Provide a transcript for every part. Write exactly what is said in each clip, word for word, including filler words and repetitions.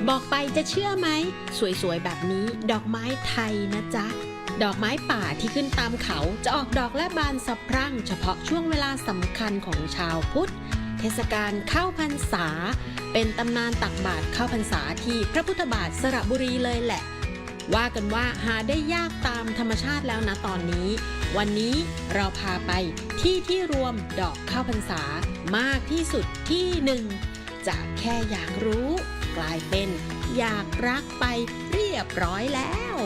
บอกไปจะเชื่อไหมสวยๆแบบนี้ดอกไม้ไทยนะจ๊ะดอกไม้ป่าที่ขึ้นตามเขาจะออกดอกและบานสะพรั่งเฉพาะช่วงเวลาสำคัญของชาวพุทธเทศกาลเข้าพรรษาเป็นตำนานตักบาตรเข้าพรรษาที่พระพุทธบาทสระบุรีเลยแหละว่ากันว่าหาได้ยากตามธรรมชาติแล้วนะตอนนี้วันนี้เราพาไปที่ที่รวมดอกเข้าพรรษามากที่สุดที่หนึ่งจากแค่อยากรู้กลายเป็นอยากรักไปเรียบร้อยแล้ว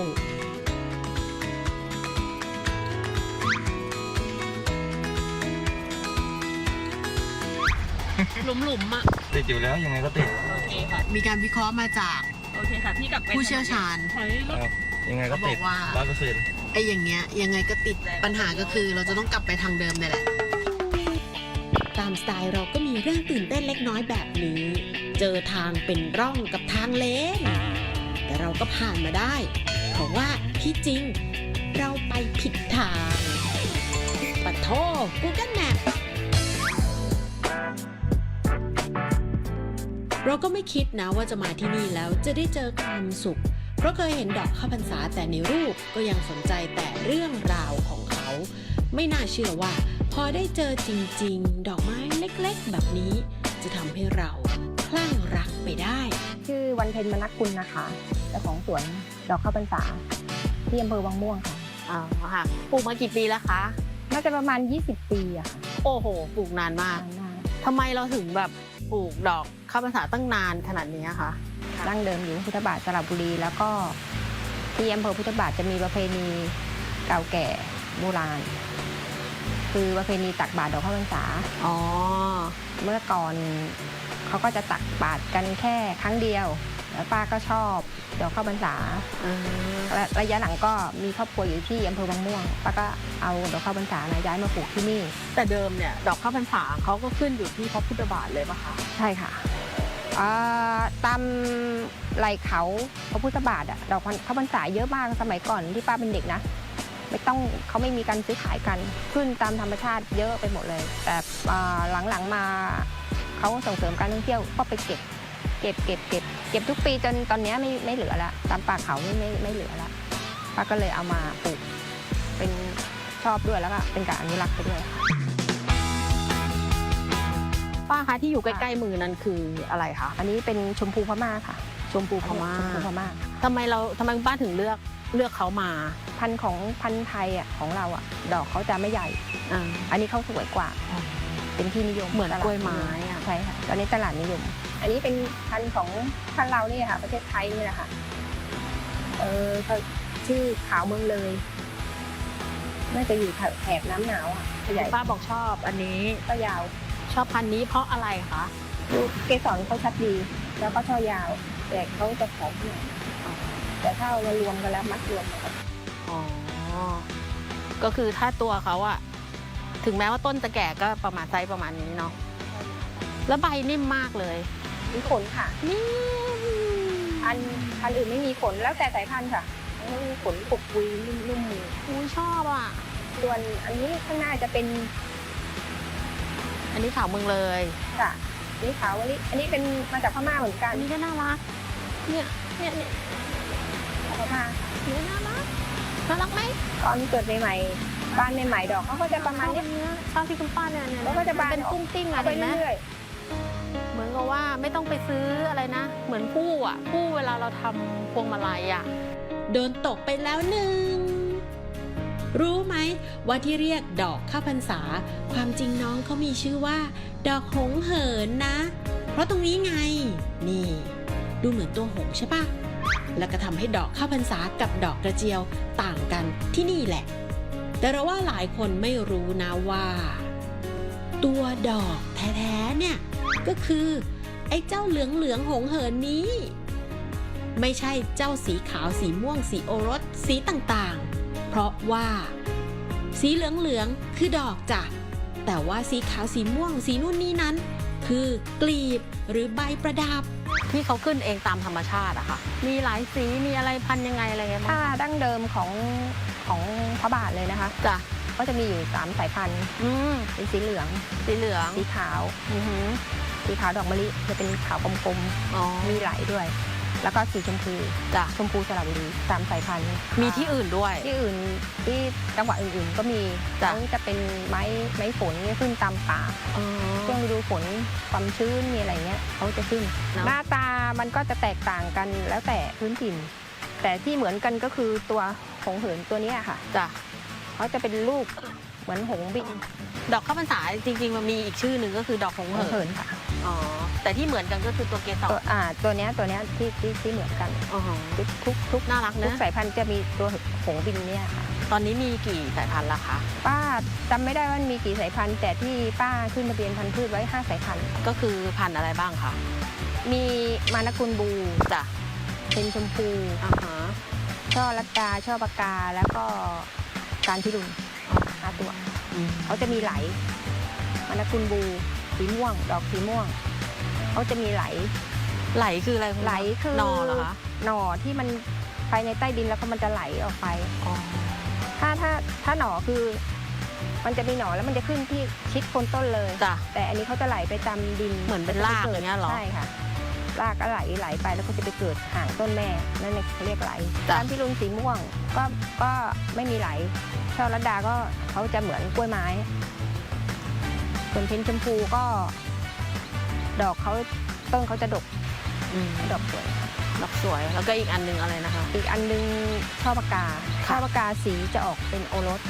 หลุมๆอ่ะติดอยู่แล้วยังไงก็ติดโอเคค่ะมีการวิเคราะห์มาจากโอเคค่ะพี่กลับไปผู้เชี่ยวชาญยังไงก็ติดร้อยเปอร์เซ็นต์ไอ้อย่างเงี้ยยังไงก็ติดปัญหาก็คือเราจะต้องกลับไปทางเดิมนี่แหละตามสไตล์เราก็มีเรื่องตื่นเต้นเล็กน้อยแบบนี้เจอทางเป็นร่องกับทางเลนแต่เราก็ผ่านมาได้เพราะว่าที่จริงเราไปผิดทางปะโถ Google Map เราก็ไม่คิดนะว่าจะมาที่นี่แล้วจะได้เจอความสุขเพราะเคยเห็นดอกเข้าพรรษาแต่ในรูปก็ยังสนใจแต่เรื่องราวของเขาไม่น่าเชื่อว่าพอได้เจอจริงๆดอกไม้เล็กๆแบบนี้จะทำให้เราคลั่งรักไปได้ชื่อวันเพ็ญมนัสกุลนะคะเจ้าของสวนดอกข้าวพรรษาที่อำเภอวังม่วงค่ะอ๋อค่ะปลูกมากี่ปีแล้วคะน่าจะประมาณยี่สิบปีอะค่ะโอ้โหปลูกนานมากทำไมเราถึงแบบปลูกดอกข้าวพรรษาตั้งนานขนาดนี้คะดั้งเดิมอยู่พุทธบาทสระบุรีแล้วก็ที่อำเภอพุทธบาทจะมีประเพณีเก่าแก่โบราณคือประเพณีตักบาตรดอกข้าวพรรษาอ๋อเมื่อก่อนเขาก็จะตักบาตรกันแค่ครั้งเดียวแล้วป้าก็ชอบดอกข้าวพรรษาและระยะหลังก็มีครอบครัวอยู่ที่อำเภอวังม่วงป้าก็เอาดอกข้าวพรรษาย้ายมาปลูกที่นี่แต่เดิมเนี่ยดอกข้าวพรรษาเขาก็ขึ้นอยู่ที่พระพุทธบาทเลยป่ะคะใช่ค่ะตามไหล่เขาพระพุทธบาทอะดอกข้าวพรรษาเยอะมากสมัยก่อนที่ป้าเป็นเด็กนะไม่ต้องเขาไม่มีการซื้อขายกันขึ้นตามธรรมชาติเยอะไปหมดเลยแต่หลังๆมาเขาส่งเสริมการท่องเที่ยวก็ไปเก็บเก็บเก็บเก็บเก็บทุกปีจนตอนนี้ไม่ไม่เหลือละตามป่าเขาไม่ไม่ไม่เหลือละป้าก็เลยเอามาปลูกเป็นชอบด้วยแล้วก็เป็นการอนุรักษ์ไปด้วยป้าคะที่อยู่ใกล้ๆมือนั้นคืออะไรคะอันนี้เป็นชมพูพม่าค่ะชมพูพม่าชมพูพม่าทำไมเราทำไมป้าถึงเลือกเลือกเขามาพันธุ์ของพันธุ์ไทยอ่ะของเราอ่ะดอกเขาจะไม่ใหญ่อ่าอันนี้เขาสวยกว่าเป็นที่นิยมเหมือนกล้วยไม้อ่ะใช่ค่ะตอนนี้ตลาดนิยมอันนี้เป็นพันธุ์ของพันธุ์เรานี่ค่ะประเทศไทยนี่แหละค่ะเออเขาชื่อขาวเมืองเลยน่าจะอยู่แถบน้ำหนาวอ่ะใหญ่ป้าบอกชอบอันนี้ก็ยาวชอบพันธุ์นี้เพราะอะไรคะดูเกสรเขาชัดดีแล้วก็ช่อยาวแต่เขาจะผอมหน่อยแต่ถ้าเรารวมกันแล้วมัดรวมกันอ๋อก็คือถ้าตัวเขาอะถึงแม้ว่าต้นจะแก่ก็ประมาณไซส์ประมาณนี้เนาะแล้วใบนิ่มมากเลยมีขนค่ะนิ่มอันพันอื่นไม่มีขนแล้วแต่สายพันธุ์ค่ะไม่มีขนปุกปุยนุ่มๆมืออุ้ยชอบอ่ะส่วนอันนี้ข้างหน้าจะเป็นอันนี้ขาวเมืองเลยค่ะนี่ขาวอันนี้อันนี้เป็นมาจากพม่าเหมือนกันอันนี้ก็น่ารักเนี่ยเนี่ยเนี่ยพม่าเนี่ยน่ารักน่ารักไหมตอนเกิดใหม่ๆบ้านใหม่ๆดอกเขาก็จะประมาณนี้ชอบที่คุณป้าเนี่ยเนี่ยแล้วก็จะบานเป็นกุ้งติ้งอะเห็นไหมเหมือนกับว่าไม่ต้องไปซื้ออะไรนะเหมือนผู้อ่ะผู้เวลาเราทำพวงมาลัยอ่ะโดนตกไปแล้วหนึ่งรู้ไหมว่าที่เรียกดอกข้าวพรรษาความจริงน้องเขามีชื่อว่าดอกหงเหินนะเพราะตรงนี้ไงนี่ดูเหมือนตัวหงใช่ปะแล้วก็ทำให้ดอกข้าวพรรษากับดอกกระเจียวต่างกันที่นี่แหละแต่เราว่าหลายคนไม่รู้นะว่าตัวดอกแท้ๆเนี่ยก็คือไอ้เจ้าเหลืองเหลืองหงเหินนี้ไม่ใช่เจ้าสีขาวสีม่วงสีโอรสสีต่างๆเพราะว่าสีเหลืองเหลืองคือดอกจ้ะแต่ว่าสีขาวสีม่วงสีนู่นนี่นั้นคือกลีบหรือใบประดับที่เขาขึ้นเองตามธรรมชาติอะค่ะมีหลายสีมีอะไรพันยังไงอะไรเงี้ยถ้าดั้งเดิมของของพระบาทเลยนะคะจ้ะก็จะมีอยู่สามสายพันธุ์เป็นสีเหลืองสีเหลืองสีขาวสีขาวดอกมะลิจะเป็นขาวกลมๆมีไหลด้วยแล้วก็สีชมพูจ้ะชมพูสระบุรีสามสายพันธุ์มีที่อื่นด้วยที่อื่นที่จังหวัดอื่นๆ ก็มีจ้ะเขาจะเป็นไม้ไม้ฝนเนี่ยขึ้นตามป่าอ๋อช่วงฤดูฝนความชื้นมีอะไรเงี้ยเขาจะขึ้นเนอะหน้าตามันก็จะแตกต่างกันแล้วแต่พื้นถิ่น แต่ที่เหมือนกันก็คือตัวหงเหินตัวเนี้ยค่ะจ้ะเขาจะเป็นลูกเหมือนหงส์บินดอกข้าวพรรษาจริงๆมันมีอีกชื่อหนึ่งก็คือดอกหงหงเหิเหินนค่ะอ๋อแต่ที่เหมือนกันก็คือตัวเกสรตัวอ่าตัวเนี้ยตัวเนี้ยที่ที่ที่เหมือนกันอ๋อทุกทุกทุกน่ารักทุนะกสายพันธุ์จะมีตัวหงส์บินเนี่ยค่ะตอนนี้มีกี่สายพันธุ์ละคะป้าจำไม่ได้ว่ามีกี่สายพันธุ์ แต่ที่ป้าขึ้นทะเบียนพันธุ์พืชไว้ห้าสายพันธุ์ก็คือพันธุ์อะไรบ้างคะมีมานกุลบูจ้ะเป็นชมพูอ่าฮะช่อลัดดาช่อปากกาแล้วก็การพิรุณห้าตัวอืมเขาจะมีไหลมานกุลบูสีม่วง ดอกสีม่วงเขาจะมีไหลไหลคืออะไรคุณไหลคือหนอเหรอคะหน่อที่มันไปในใต้ดินแล้วก็มันจะไหลออกไปอ๋อถ้าถ้าถ้าหน่อคือ มันจะมีหน่อแล้วมันจะขึ้นที่ชิดโคนต้นเลยจ้ะแต่อันนี้เขาจะไหลไปตามดินเหมือนเป็นรากอย่างเงี้ยเหรอใช่ค่ะรากก็ไหลไหลไปแล้วก็จะไปเกิดห่างต้นแม่นั่นเขาเรียกไหลจ้ะการพิรุณสีม่วงก็ก็ไม่มีไหลช่อลัดดาก็เขาจะเหมือนกล้วยไม้ส่วนเพนชมพูก็ ดอกเขาต้นเขาจะดกอืมดอกสวยดอกสวยแล้วก็อีกอันหนึงอะไรนะคะอีกอันนึงช่อปากกาค่ะช่อปากกาสีจะออกเป็นโอรส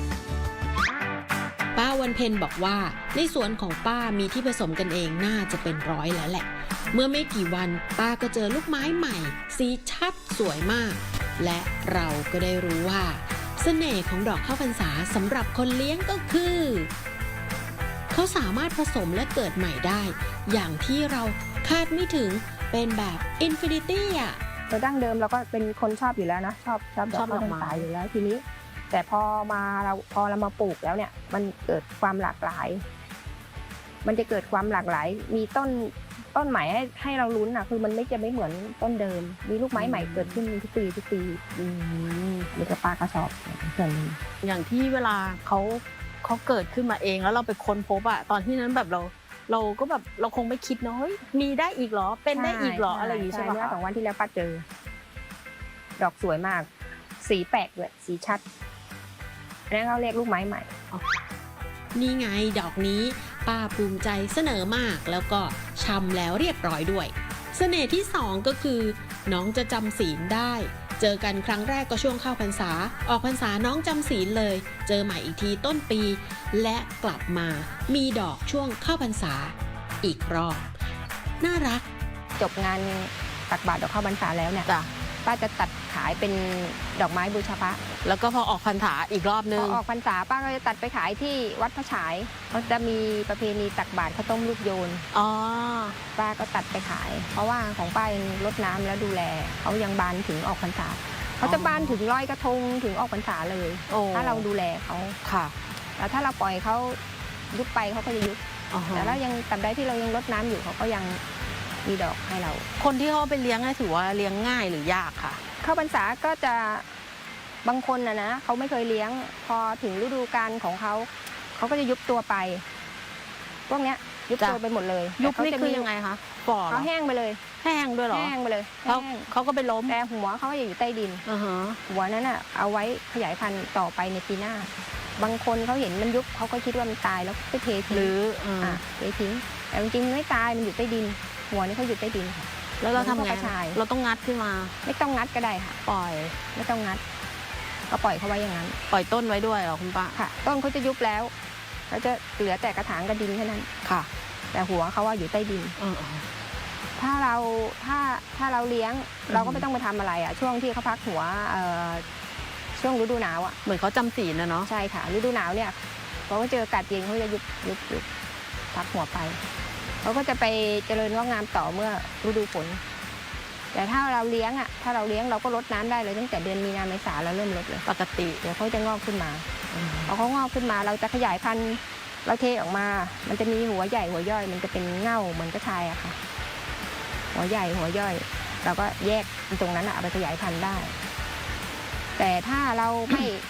ป้าวันเพ็ญบอกว่าในสวนของป้ามีที่ผสมกันเองน่าจะเป็นร้อยแล้วแหละ เมื่อไม่กี่วันป้าก็เจอลูกไม้ใหม่ สีชัดสวยมาก และเราก็ได้รู้ว่า เสน่ห์ของดอกข้าวพรรษาสำหรับคนเลี้ยงก็คือ เขาสามารถผสมและเกิดใหม่ได้ อย่างที่เราคาดไม่ถึงเป็นแบบอินฟินิตี้อ่ะโดยดั้งเดิมเราก็เป็นคนชอบอยู่แล้วนะชอบชอบดอกชอบดข้าอวกพรรไม้ษาอยู่แล้วทีนี้ แต่พอมาเราพอเรามาปลูกแล้วเนี่ย มันเกิดความหลากหลาย มันจะเกิดความหลากหลาย มีต้นต้นใหม่ให้ให้เราลุ้นอ่ะคือมันไม่จะไม่เหมือนต้นเดิม มีลูกไม้ใหม่เกิดขึ้นทุกปีทุกปีอืมมีกระปากระสอบส่วนหนึ่งอย่างที่เวลาเขาเขาเกิดขึ้นมาเองแล้วเราไปค้นพบอะตอนที่นั้นแบบเรา เราก็แบบเราคงไม่คิดเนาะเฮ้ยมีได้อีกเหรอเป็นได้อีกเหรออะไรอย่างงี้ใช่ปะเมื่อคะสองวันที่แล้วป้าเจอ ดอกสวยมาก สีแปลกเลยสีชัดอันนั้นเขาเรียกลูกไม้ใหม่นี่ไงดอกนี้ ป้าภูมิใจเสนอมากแล้วก็ชำแล้วเรียบร้อยด้วย เสน่ห์ที่สองก็คือ น้องจะจำศีลได้ เจอกันครั้งแรกก็ช่วงเข้าพรรษา ออกพรรษาน้องจำศีลเลย เจอใหม่อีกทีต้นปี และกลับมามีดอกช่วงเข้าพรรษาอีกรอบน่ารักจบงานตักบาตรดอกข้าวพรรษาแล้วเนี่ยจ้ะป้าจะตัดขายเป็นดอกไม้บูชาพระแล้วก็พอออกพรรษาอีกรอบนึพงอออกพรรษาป้าก็จะตัดไปขายที่วัดพระฉายเขาจะมีประเพณีตักบาตรข้าวต้มลูกโยนอ๋อป้าก็ตัดไปขาย เพราะว่าของป้ายังรดน้ำแล้วดูแลเขายังบานถึงออกพรรษาเขาจะบานถึงลอยกระทงถึงออกพรรษาเลยโอ้ถ้าเราดูแลเขาค่ะแล้วถ้าเราปล่อยเขายุบไปเขาก็จะยุบอ๋อฮะแต่ถ้ายังตัดได้ที่เรายังรดน้ำอยู่เขาก็ยังมีดอกให้เราคนที่เขาเอาไปเลี้ยงเนี่ยถือว่าเลี้ยงง่ายหรือยากค่ะเข้าพรรษาก็จะบางคนนะนะเขาไม่เคยเลี้ยง พอถึงฤดูกาลของเขาเขาก็จะยุบตัวไป พวกเนี้ยยุบจ้ะตัวไปหมดเลยยุบแต่เขานี่จะคืมีอยังไงคะฝ่อเหรเขาอแห้งไปเลยแห้งด้วยเหรอแห้งไปเลยเขาแห้งเขาก็ไปล้มแต่หัวเขาก็จะอยู่ใต้ดินอ่าฮะหัวนั้นอ่ะเอาไว้ขยายพันธุ์ต่อไปในปีหน้า บางคนเขาเห็นมันยุบเขาก็คิดว่ามันตายแล้วก็เททิ้งหรืออ่าอ่ะเททิ้งแต่จริงๆไม่ตายมันอยู่ใต้ดิน หัวนี่เขาอยู่ใต้ดินค่ะแล้วเราทำมันไงก็กระชายเราต้องงัดขึ้นมาไม่ต้องงัดก็ได้ค่ะปล่อยไม่ต้องงัด ก็ปล่อยเขาไว้อย่างนั้นปล่อยต้นไว้ด้วยเหรอคุณป้าค่ะ ต้นเขาจะยุบแล้วเขาจะเหลือแต่กระถางกระดินแค่นั้นค่ะแต่หัวเขาว่าอยู่ใต้ดินเออถ้าเราถ้าถ้าเราเลี้ยงอืมเราก็ไม่ต้องไปทำอะไรอ่ะช่วงที่เขาพักหัวเอ่อช่วงฤดูหนาวอ่ะเหมือนเขาจำศีลนะเนาะใช่ค่ะฤดูหนาวเนี่ยพอเขาเจออากาศเย็นเขาจะยุบยุบยุบพักหัวไปเขาก็จะไปเจริญงอกงามต่อเมื่อฤดูฝนแต่ถ้าเราเลี้ยงอ่ะถ้าเราเลี้ยงเราก็ลดน้ำได้เลยตั้งแต่เดือนมีนาเมษาเราเริ่มลดเลยปกติเดี๋ยวเขาจะงอกขึ้นมาพอเขางอกขึ้นมาเราจะขยายพันธุ์เราเทออกมา มันจะมีหัวใหญ่หัวย่อย มันจะเป็นเง่าเหมือนกระชายอะค่ะ หัวใหญ่หัวย่อย เราก็แยกตรงนั้นอะเอาไปขยายพันธุ์ได้ แต่ถ้าเราไม่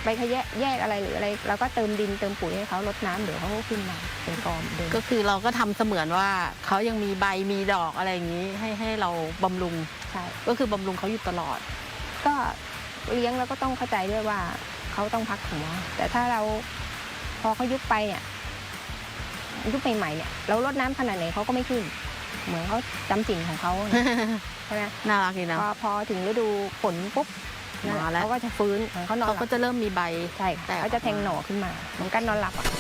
ไปขยะแยกอะไรหรืออะไรเราก็เติมดินเติมปุ๋ยให้เขารดน้ำเดี๋ยวเขาก็ขึ้นมาเป็นกอมเดิมก็คือเราก็ทำเสมือนว่าเขายังมีใบมีดอกอะไรอย่างนี้ให้ให้เราบำรุงใช่ก็คือบำรุงเขาอยู่ตลอดก็เลี้ยงแล้วก็ต้องเข้าใจด้วยว่าเขาต้องพักหัวแต่ถ้าเราพอเขายุบไปเนี่ยยุบใหม่ๆเนี่ยเรารดน้ำขนาดไหนเขาก็ไม่ขึ้น เหมือนเขาจำสิ่งของเขา ใช่ไหมน่ารักดีนะพอพอถึงฤดูฝนปุ๊บมาแล้วเขาก็จะฟื้นเหมือนเขานอนเขาหลัก็บจะเริ่มมีใบใช่แตกเขาจะแทงหน่อขึ้นมาเหมือนกันนอนหลับอ่ะ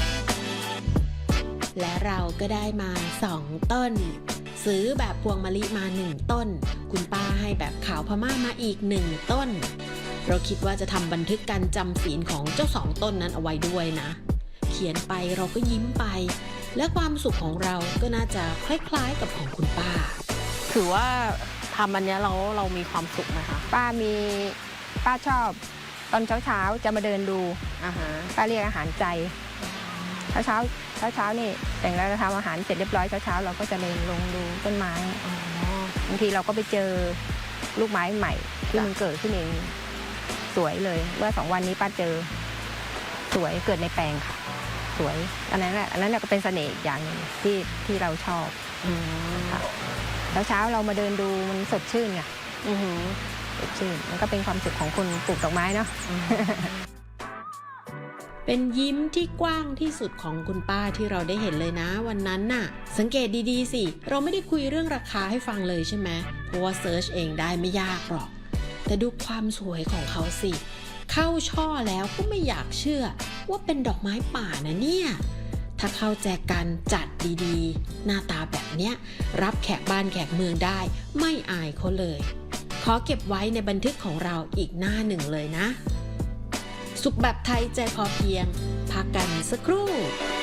และเราก็ได้มาสองต้น ซื้อแบบพวงมะลิมาหนึ่งต้น คุณป้าให้แบบขาวพม่ามาอีกหนึ่งต้น เราคิดว่าจะทำบันทึกการจำศีลของเจ้าสองต้นนั้นเอาไว้ด้วยนะ เขียนไปเราก็ยิ้มไป และความสุขของเราก็น่าจะคล้ายๆกับของคุณป้าถือว่าทำอันเนี้ยเราเรามีความสุขไหมคะป้ามีป้าชอบตอนเช้าๆจะมาเดินดูอ่าฮะป้าเรียกอาหารใจเช้าเช้าเช้าเช้าๆนี่แต่งแล้วเราทำอาหารเสร็จเรียบร้อยเช้าเช้าๆเราก็จะเดินลงดูต้นไม้อ๋อบางทีเราก็ไปเจอลูกไม้ใหม่ที่มันเกิดขึ้นเองสวยเลยเมื่อสองวันนี้ป้าเจอสวยเกิดในแปลงค่ะ สวยอันนั้นแหละอันนั้นก็เป็นเสน่ห์อีกอย่างหนึ่งที่ที่เราชอบอืมค่ะเช้าเช้าๆเรามาเดินดูมันสดชื่นไงอือหือสดชื่นมันก็เป็นความสุขของคนปลูกดอกไม้เนาะเป็นยิ้มที่กว้างที่สุดของคุณป้าที่เราได้เห็นเลยนะวันนั้นน่ะ สังเกตดีๆสิเราไม่ได้คุยเรื่องราคาให้ฟังเลยใช่ไหมเพราะว่าเซิร์ชเองได้ไม่ยากหรอก แต่ดูความสวยของเขาสิ เข้าช่อแล้วก็ไม่อยากเชื่อว่าเป็นดอกไม้ป่านะเนี่ย ถ้าเข้าแจกันจัดดีๆ หน้าตาแบบเนี้ยรับแขกบ้านแขกเมืองได้ไม่อายเขาเลย ขอเก็บไว้ในบันทึกของเราอีกหน้าหนึ่งเลยนะ สุขแบบไทยใจพอเพียงพักกันสักครู่